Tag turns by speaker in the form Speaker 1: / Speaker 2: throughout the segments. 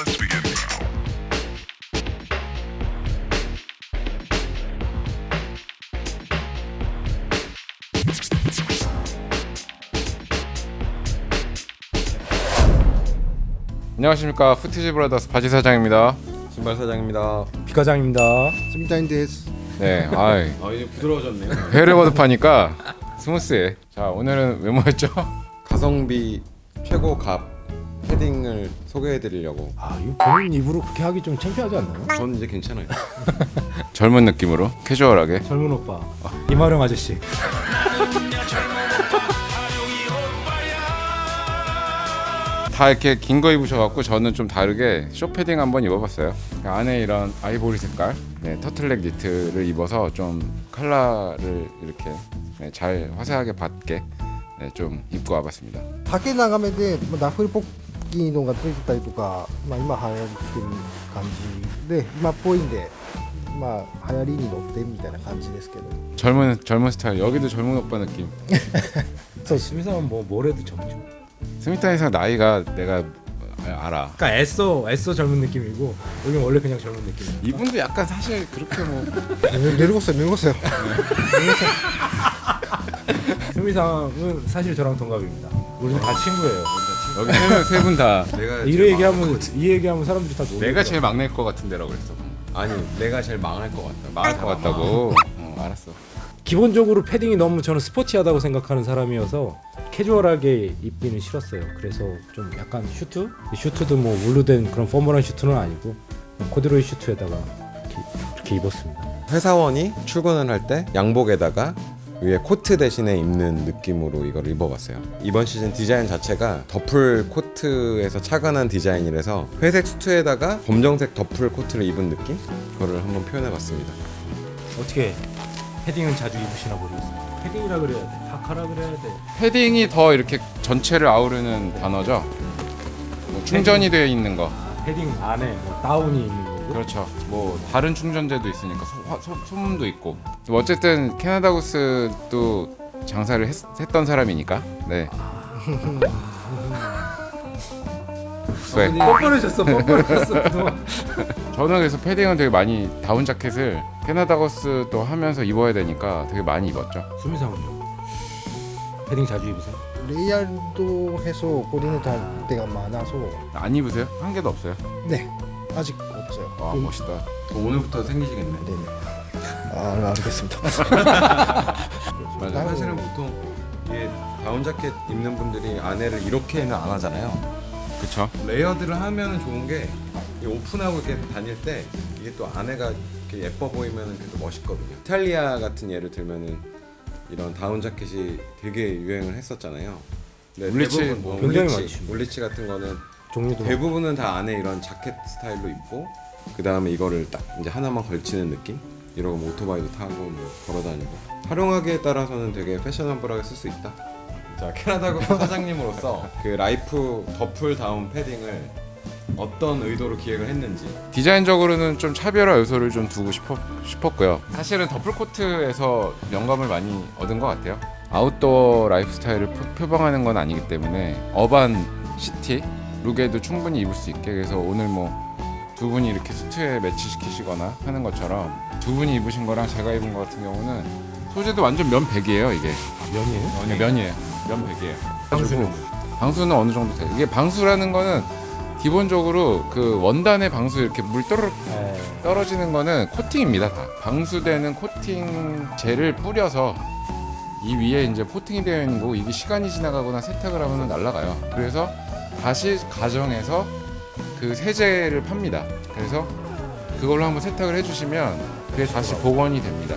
Speaker 1: Let's begin now.
Speaker 2: 안녕하십니까. 푸티지 브라더스 바지 사장입니다.
Speaker 3: 신발 사장입니다.
Speaker 4: 비과장입니다.
Speaker 5: 스미타인데스.
Speaker 2: 네, 아이
Speaker 3: 이제 부드러워졌네요.
Speaker 2: 회를 거듭하니까 스무스해. 자, 오늘은 왜 모였죠?
Speaker 3: 가성비 최고 값 패딩을 소개해드리려고.
Speaker 4: 이거 본인 입으로 그렇게 하기 좀 창피하지 않나요?
Speaker 3: 전 이제 괜찮아요.
Speaker 2: 젊은 느낌으로 캐주얼하게.
Speaker 4: 젊은 오빠 이마령 아저씨.
Speaker 2: 다 이렇게 긴 거 입으셔갖고 저는 좀 다르게 쇼 패딩 한번 입어봤어요. 안에 이런 아이보리 색깔 터틀넥 니트를 입어서 좀 컬러를 이렇게 잘 화사하게 받게 좀 입고 와봤습니다.
Speaker 5: 丈長めでダッフルポッキーのがついてたりとか、今流行ってる感じで今っぽいんで、流行りに乗ってみたいな感じですけど。
Speaker 2: 젊은 스타일. 여기도 젊은 오빠 느낌.
Speaker 4: 수미상은 뭘 해도 젊죠.
Speaker 2: 스미타에서 나이가 내가 알아.
Speaker 4: 그러니까 애써 젊은 느낌이고 여기는 원래 그냥 젊은 느낌.
Speaker 2: 이분도 약간 사실 그렇게 뭐
Speaker 5: 늙었어요.
Speaker 4: 수미상은 사실 저랑 동갑입니다. 우리는 다 친구예요.
Speaker 2: 여기 세 분 다
Speaker 3: 내가
Speaker 4: 이 얘기하면 사람들이 다 놀려.
Speaker 2: 내가 제일 막내일 것 같은데라고 그랬어.
Speaker 3: 아니 내가 제일 망할 것 같다.
Speaker 2: 망할 것 같다고. 알았어.
Speaker 4: 기본적으로 패딩이 너무 저는 스포티하다고 생각하는 사람이어서 캐주얼하게 입기는 싫었어요. 그래서 좀 약간 슈트도 뭐 울로 된 그런 포멀한 슈트는 아니고 코듀로이 슈트에다가 이렇게 입었습니다.
Speaker 3: 회사원이 출근을 할 때 양복에다가 위에 코트 대신에 입는 느낌으로 이걸 입어봤어요. 이번 시즌 디자인 자체가 더플 코트에서 착안한 디자인이라서 회색 수트에다가 검정색 더플 코트를 입은 느낌? 그거를 한번 표현해봤습니다.
Speaker 4: 어떻게 패딩은 자주 입으시나 모르겠어요. 패딩이라 그래야 돼, 파카라 그래야 돼.
Speaker 2: 패딩이 더 이렇게 전체를 아우르는 단어죠. 뭐 충전이 되어 있는 거.
Speaker 4: 패딩 안에 뭐 다운이 있는 거고.
Speaker 2: 그렇죠. 뭐 다른 충전재도 있으니까 소음도 있고. 뭐 어쨌든 캐나다 구스도 장사를 했던 사람이니까. 네. 왜?
Speaker 4: 뻔뻔해졌어.
Speaker 2: 저는 그래서 패딩은 되게 많이 다운 자켓을 캐나다 거스도 하면서 입어야 되니까 되게 많이 입었죠.
Speaker 4: 수미상은요? 패딩 자주 입으세요?
Speaker 5: レイヤード해서 고리는 때가 많아서
Speaker 2: 안 입으세요? 한 개도 없어요.
Speaker 5: 네 아직 없어요.
Speaker 2: 와 멋있다.
Speaker 3: 오늘부터 생기시겠네.
Speaker 5: 네네. 알겠습니다.
Speaker 2: 맞아.
Speaker 3: 사실은 보통 이게 다운 자켓 입는 분들이 안에를 이렇게는 안 하잖아요.
Speaker 2: 그쵸.
Speaker 3: 레이어드를 하면 좋은 게 이 오픈하고 이렇게 다닐 때 이게 또 안에가 이렇게 예뻐 보이면 그래도 멋있거든요. 이탈리아 같은 예를 들면은 이런 다운 자켓이 되게 유행을 했었잖아요. 근데
Speaker 2: 울리치,
Speaker 3: 대부분 뭐
Speaker 4: 굉장히
Speaker 3: 울리치,
Speaker 4: 많죠.
Speaker 3: 울리치 같은 거는
Speaker 4: 종류도
Speaker 3: 대부분은 다 안에 이런 자켓 스타일로 입고 그 다음에 이거를 딱 이제 하나만 걸치는 느낌? 이러고 뭐 오토바이도 타고 뭐 걸어다니고 활용하기에 따라서는 되게 패셔너블하게 쓸 수 있다. 자, 캐나다 국 사장님으로서 그 라이프 더플 다운 패딩을 어떤 의도로 기획을 했는지.
Speaker 2: 디자인적으로는 좀 차별화 요소를 좀 두고 싶었고요. 사실은 더플 코트에서 영감을 많이 얻은 것 같아요. 아웃도어 라이프 스타일을 표방하는 건 아니기 때문에 어반 시티 룩에도 충분히 입을 수 있게. 그래서 오늘 뭐 두 분이 이렇게 수트에 매치시키시거나 하는 것처럼 두 분이 입으신 거랑 제가 입은 거 같은 경우는 소재도 완전 면백이에요. 이게
Speaker 4: 면이에요?
Speaker 2: 면이에요. 면백이에요.
Speaker 4: 방수는
Speaker 2: 방수는 어느 정도 돼요. 이게 방수라는 거는 기본적으로 그 원단의 방수 이렇게 물 떨어지는 거는 코팅입니다. 다 방수되는 코팅 젤을 뿌려서 이 위에 이제 코팅이 되어 있는 거고, 이게 시간이 지나가거나 세탁을 하면 날아가요. 그래서 다시 가정에서 그 세제를 팝니다. 그래서 그걸로 한번 세탁을 해주시면 그게 다시 복원이 됩니다.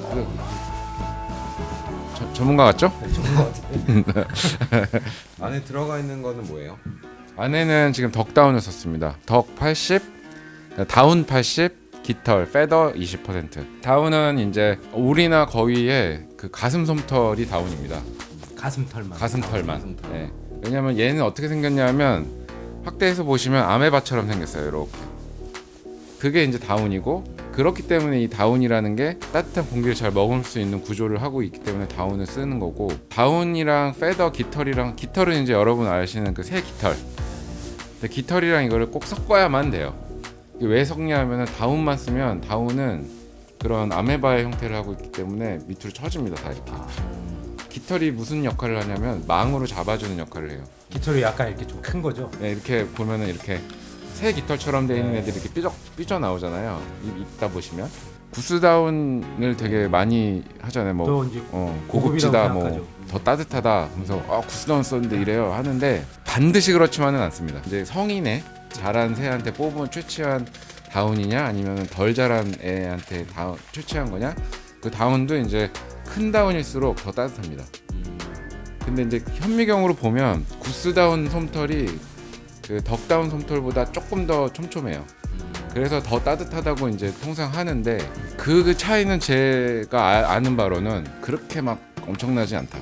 Speaker 2: 전문가 같죠?
Speaker 4: 전문가 같은데.
Speaker 3: 안에 들어가 있는 거는 뭐예요?
Speaker 2: 안에는 지금 덕다운을 썼습니다. 덕 80, 다운 80, 깃털, 페더 20%. 다운은 이제 울이나 거위의 그 가슴 솜털이 다운입니다. 가슴털만. 네. 왜냐면 얘는 어떻게 생겼냐면 확대해서 보시면 아메바처럼 생겼어요. 이렇게. 그게 이제 다운이고, 그렇기 때문에 이 다운이라는 게 따뜻한 공기를 잘 머금을 수 있는 구조를 하고 있기 때문에 다운을 쓰는 거고, 다운이랑 페더, 깃털이랑, 깃털은 이제 여러분 아시는 그 새 깃털. 근데 깃털이랑 이거를 꼭 섞어야만 돼요. 이게 왜 섞냐면은 다운만 쓰면 다운은 그런 아메바의 형태를 하고 있기 때문에 밑으로 처집니다. 다 이렇게. 깃털이 무슨 역할을 하냐면 망으로 잡아주는 역할을 해요.
Speaker 4: 깃털이 약간 이렇게 좀 큰 거죠.
Speaker 2: 네, 이렇게 보면은 이렇게 새 깃털처럼 돼 있는 애들이 이렇게 삐져 나오잖아요. 있다 보시면 구스다운을 되게 많이 하잖아요. 뭐
Speaker 4: 또 이제
Speaker 2: 고급지다,
Speaker 4: 고급이라고
Speaker 2: 뭐
Speaker 4: 생각하죠.
Speaker 2: 더 따뜻하다 하면서 구스다운 썼는데 이래요 하는데 반드시 그렇지만은 않습니다. 이제 성인의 자란 새한테 뽑은 최치한 다운이냐 아니면 덜 자란 애한테 최치한 거냐, 그 다운도 이제 큰 다운일수록 더 따뜻합니다. 근데 이제 현미경으로 보면 구스다운 솜털이 그 덕다운 솜털보다 조금 더 촘촘해요. 그래서 더 따뜻하다고 이제 통상 하는데 그 차이는 제가 아는 바로는 그렇게 막 엄청나지 않다.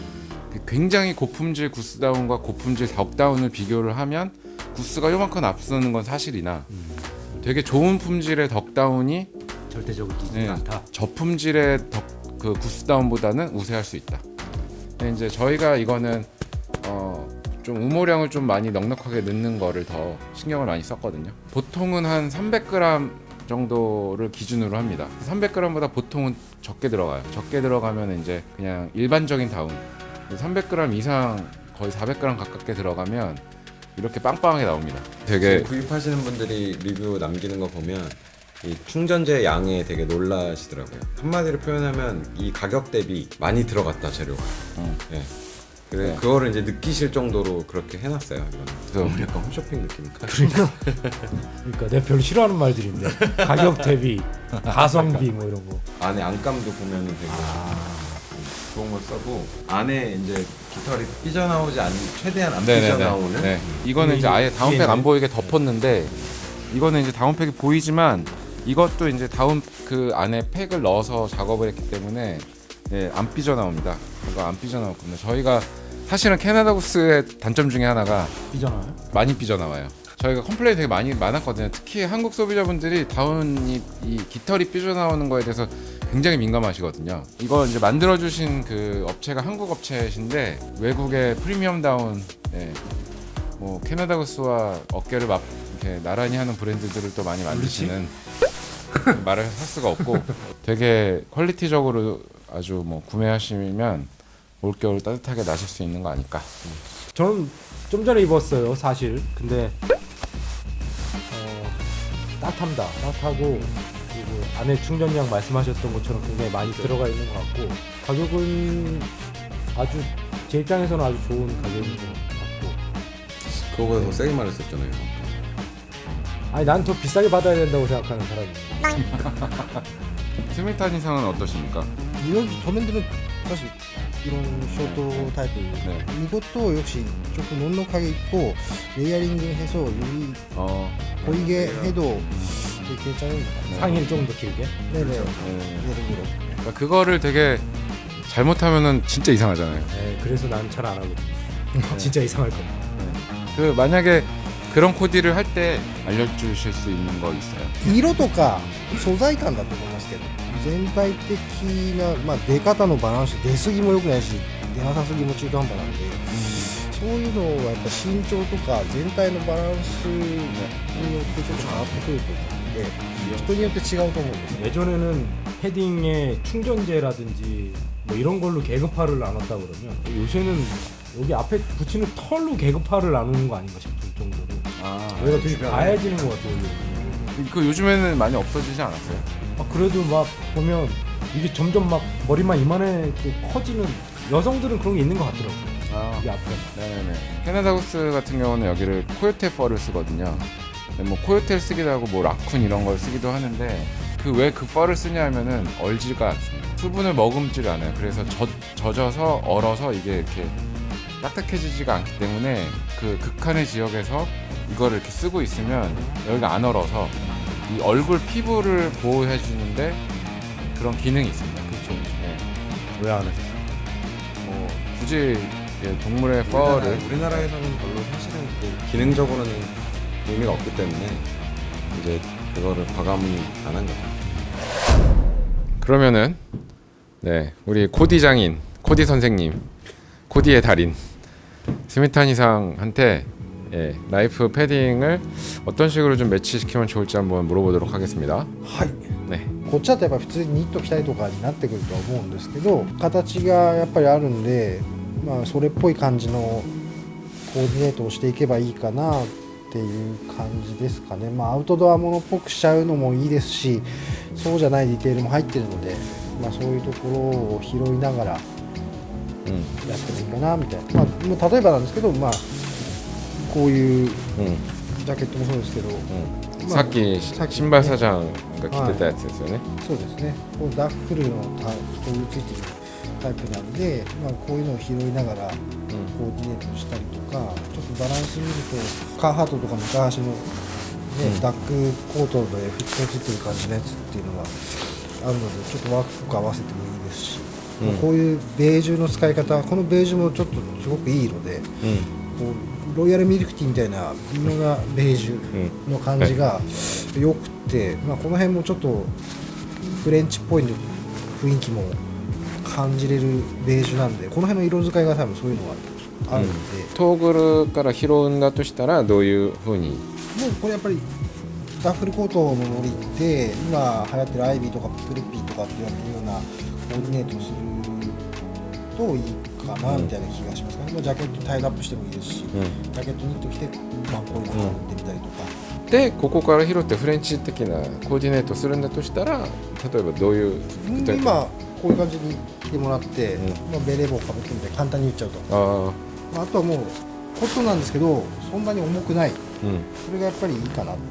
Speaker 2: 굉장히 고품질 구스다운과 고품질 덕다운을 비교를 하면 구스가 요만큼 앞서는 건 사실이나 되게 좋은 품질의 덕다운이
Speaker 4: 절대적으로 이기지 않다.
Speaker 2: 저품질의 그 구스다운보다는 우세할 수 있다. 근데 이제 저희가 이거는 좀 우모량을 좀 많이 넉넉하게 넣는 거를 더 신경을 많이 썼거든요. 보통은 한 300g 정도를 기준으로 합니다. 300g보다 보통은 적게 들어가요. 적게 들어가면 이제 그냥 일반적인 다운. 300g 이상 거의 400g 가깝게 들어가면 이렇게 빵빵하게 나옵니다. 되게
Speaker 3: 구입하시는 분들이 리뷰 남기는 거 보면 이 충전재 양에 되게 놀라시더라고요. 한마디로 표현하면 이 가격 대비 많이 들어갔다 재료가. 네. 그래
Speaker 2: 네.
Speaker 3: 그거를 이제 느끼실 정도로 그렇게 해놨어요. 이거는.
Speaker 2: 그래서
Speaker 3: 약간 홈쇼핑 느낌일까?
Speaker 4: 그러니까 내가 별로 싫어하는 말들인데 가격 대비, 가성비 뭐 이런 거.
Speaker 3: 안에 안감도 보면은 되게 좋은 걸 써고 안에 이제 깃털이 삐져나오지 않는 최대한 안 삐져나오는.
Speaker 2: 네. 이거는 이제 아예 다운팩 안 보이게 덮었는데 이거는 이제 다운팩이 보이지만 이것도 이제 다운 그 안에 팩을 넣어서 작업을 했기 때문에 네, 안 삐져나옵니다. 이거 안 삐져나왔거든요. 저희가 사실은 캐나다 구스의 단점 중에 하나가
Speaker 4: 삐져나와요?
Speaker 2: 많이 삐져나와요. 저희가 컴플레인 되게 많았거든요. 특히 한국 소비자분들이 다운이 이 깃털이 삐져나오는 거에 대해서 굉장히 민감하시거든요. 이거 이제 만들어주신 그 업체가 한국 업체신데 외국의 프리미엄 다운, 뭐 캐나다 구스와 어깨를 이렇게 나란히 하는 브랜드들을 또 많이 만드시는 말을 할 수가 없고 되게 퀄리티적으로 아주 뭐 구매하시면 올겨울 따뜻하게 나실 수 있는 거 아닐까.
Speaker 4: 저는 좀 전에 입었어요, 사실. 근데 따뜻합니다. 따뜻하고 그리고 안에 충전량 말씀하셨던 것처럼 굉장히 많이 들어가 있는 것 같고 가격은 아주 제 입장에서는 아주 좋은 가격인 것 같고.
Speaker 3: 그거보다 더 세게 말했었잖아요.
Speaker 4: 아니 난 더 비싸게 받아야 된다고 생각하는 사람이에요.
Speaker 2: 스미탄 이상은 어떠십니까?
Speaker 5: 여기 도면들은 사실 이런 쇼트 타입
Speaker 2: 네.
Speaker 5: 이것도 역시 조금 넉넉하게 입고 레이어링 해서 여기 보이게 해도 되게 괜찮습니다.
Speaker 4: 상의를 조금 더 길게.
Speaker 5: 네네.
Speaker 2: 네.
Speaker 5: 예를 들어.
Speaker 2: 그러니까 그거를 되게 잘못하면은 진짜 이상하잖아요.
Speaker 4: 네, 그래서 난 잘 안 하거든요. 진짜 이상할 거예요.
Speaker 2: 그 만약에 그런 코디를 할 때 알려주실 수 있는 거 있어요?
Speaker 5: 色とか素材感だと思いますけど全体的な、出方のバランス出過ぎも良くないし出なさすぎも中途半端なんで、そういうのはやっぱ身長とか全体のバランスによってちょっと変わってくると思うので人によって違うと思うんですね。
Speaker 4: 예전에는 패딩에 충전재라든지 뭐 이런 걸로 계급화를 나눴다 그러면 요새는 여기 앞에 붙이는 털로 계급화를 나누는 거 아닌가 싶을 정도로 여기가 되게 가해지는 것 같아요.
Speaker 2: 그 요즘에는 많이 없어지지 않았어요?
Speaker 4: 그래도 막 보면 이게 점점 막 머리만 이만해 커지는 여성들은 그런 게 있는 것 같더라고요. 이 앞에.
Speaker 2: 네네네. 캐나다 구스 같은 경우는 여기를 코요테 펄을 쓰거든요. 근데 뭐 코요테를 쓰기도 하고 뭐 라쿤 이런 걸 쓰기도 하는데 그 왜 그 펄을 쓰냐 하면은 얼지가 않습니다. 수분을 머금질 않아요. 그래서 젖어서 얼어서 이게 이렇게 딱딱해지지가 않기 때문에 그 극한의 지역에서 이거를 이렇게 쓰고 있으면 여기가 안 얼어서 이 얼굴 피부를 보호해 주는데 그런 기능이 있습니다. 그렇죠. 네.
Speaker 4: 왜 안 하셨어요?
Speaker 2: 뭐 굳이 동물의 펄을
Speaker 3: 우리나라에서는 별로 사실은 그 기능적으로는 의미가 없기 때문에 이제 그거를 과감히 안 한 거죠.
Speaker 2: 그러면은 네 우리 코디 장인 코디 선생님 코디의 달인 스미탄 이상한테 예, 라이프 패딩을 어떤 식으로 좀 매치시키면 좋을지 한번 물어보도록 하겠습니다.
Speaker 5: はい
Speaker 2: 네.
Speaker 5: こっちだとやっぱ普通にニット着たりとかになってくるとは思うんですけど、形がやっぱりあるんで、まあそれっぽい感じのコーディネートをしていけばいいかなっていう感じですかね。まあアウトドアものっぽくしちゃうのもいいですし、そうじゃないディテールも入ってるので、まあそういうところを拾いながらやってもいいかなみたいな。まあもう例えばなんですけど、まあこういうジャケットもそうですけど、まあ
Speaker 2: さっき
Speaker 5: さっき
Speaker 2: 新聞サジャンが着てたやつですよね。
Speaker 5: そうですね。こうダッフルのこういうついてるタイプなんで、まあ、こういうのを拾いながらコーディネートしたりとか、ちょっとバランス見るとカーハートとか昔の、ねダックコートでフィットついてる感じのやつっていうのがあるので、ちょっとワークとか合わせてもいいですし、まあこういうベージュの使い方、このベージュもちょっとすごくいい色で、こうロイヤルミルクティーみたいな微妙なベージュの感じが良くて、まあ、この辺もちょっとフレンチっぽい雰囲気も感じれるベージュなんで、この辺の色使いが多分そういうのがあるので、
Speaker 2: トーグルから拾うんだとしたらどういう風に？
Speaker 5: もうこれやっぱりダッフルコートのノリって今流行ってるアイビーとかプルピーとかって言われてるようなコーディネートをするといいかなみたいな気がしますね。まあジャケットタイドアップしてもいいですし、ジャケットニット着て、まあ、こういうのを打ってみたりとか、
Speaker 2: でここから拾ってフレンチ的なコーディネートするんだとしたら、例えばどういう具体的
Speaker 5: 今こういう感じに着てもらって、まあ、ベレー帽をかぶってみたい簡単に言っちゃうと、
Speaker 2: あ
Speaker 5: まあ、あとはもうコットンなんですけどそんなに重くない、
Speaker 2: あ、
Speaker 5: それがやっぱりいいかなっていう。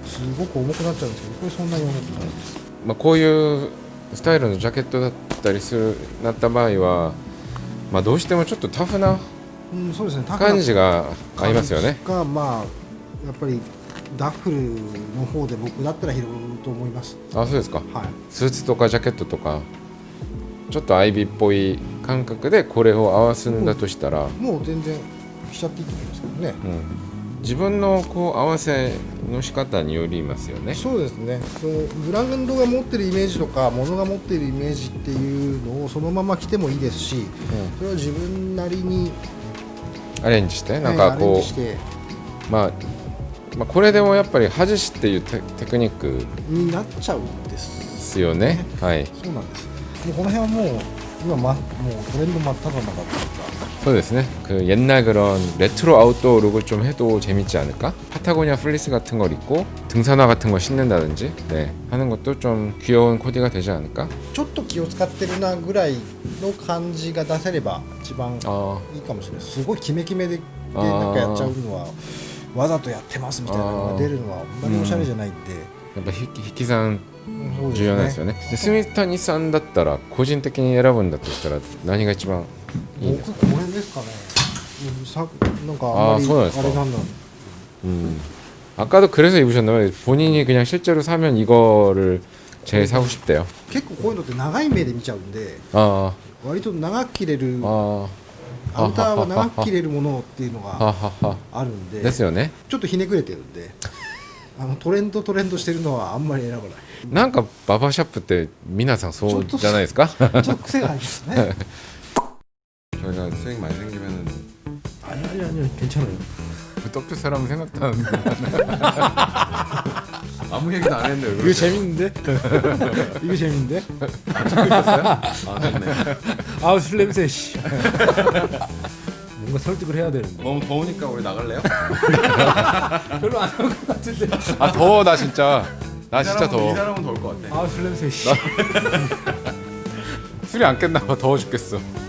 Speaker 5: すごく重くなっちゃうんですけど、これそんなに重くないです。
Speaker 2: まあ、こういうスタイルのジャケットだったりするなった場合は、まあ、どうしてもちょっとタフな
Speaker 5: うん、そうですね。タフな
Speaker 2: 感じが合いますよね。
Speaker 5: がまあやっぱりダッフルの方で僕だったら拾うと思います。
Speaker 2: あ、そうですか。
Speaker 5: はい。
Speaker 2: スーツとかジャケットとかちょっとアイビーっぽい感覚でこれを合わすんだとしたら、
Speaker 5: もう全然しちゃっていいと思いますけどね。
Speaker 2: 自分のこう合わせの仕方によりますよね。
Speaker 5: そうですね。そのブランドが持ってるイメージとか物が持ってるイメージっていうのをそのまま着てもいいですし、それは自分なりに
Speaker 2: アレンジしてなんか
Speaker 5: アレン
Speaker 2: こ
Speaker 5: ジして
Speaker 2: う、まあこれでもやっぱり外しっていうテクニック
Speaker 5: になっちゃうんで。
Speaker 2: ですすよね。はい、
Speaker 5: そうなんです。もうこの辺はもう今もうトレンド真っ只中っていうか。
Speaker 2: そうですね. 그 옛날 그런 레트로 아웃도어 룩을 좀 해도 재밌지 않을까? 파타고니아 플리스 같은 걸 입고 등산화 같은 거 신는다든지 네, 하는 것도 좀 귀여운 코디가 되지 않을까?
Speaker 5: ちょっと気を使ってるなぐらいの感じが出せれば一番いいかもしれない。すごいキメキメでなんかやっちゃうのはわざとやってますみたいなのが出るのはあんまりおしゃれじゃないんで、
Speaker 2: やっぱ引き算
Speaker 5: そうですね
Speaker 2: 重要なんですよね。でスミタニさんだったら個人的に選ぶんだとしたら何が一番いいんですか？
Speaker 5: 僕これですかね。なんかあんまり
Speaker 2: そうなんですか。
Speaker 5: あれなんだ。
Speaker 2: 아까도 그래서 입으셨나요? 본인이 그냥 실제로 사면 이거를 제일 사고 싶대요.
Speaker 5: 結構こういうのって長い目で見ちゃうんで、
Speaker 2: 아,
Speaker 5: 割と長く着れる
Speaker 2: 아,
Speaker 5: アウターは長く着れるものっていうのが
Speaker 2: 하하하.
Speaker 5: あるんで、
Speaker 2: ですよね。
Speaker 5: ちょっとひねくれてるんで、トレンドしてるのはあんまり選ばない。
Speaker 2: なんかババシャップって皆さんそうじゃないですか?
Speaker 5: ちょっと癖がありますね。
Speaker 3: 저희가 수익 많이 생기면은
Speaker 5: 아니 괜찮아요.
Speaker 2: 떡주 사람 생각도 안 나는데. 아무 얘기도 안 했는데.
Speaker 5: 이거 재밌는데? 이거 재밌는데?
Speaker 3: 아 좋네.
Speaker 5: 아우 술 냄새 씨. 뭔가 설득을 해야 되는데.
Speaker 3: 너무 더우니까 우리 나갈래요?
Speaker 5: 별로 안 할 것 같은데.
Speaker 2: 아 더워 나 진짜. 나 진짜 더워.
Speaker 3: 이 사람은 더울 것 같아.
Speaker 5: 아우 술 냄새 씨.
Speaker 2: 술이 안 깼나 봐. 더워 죽겠어.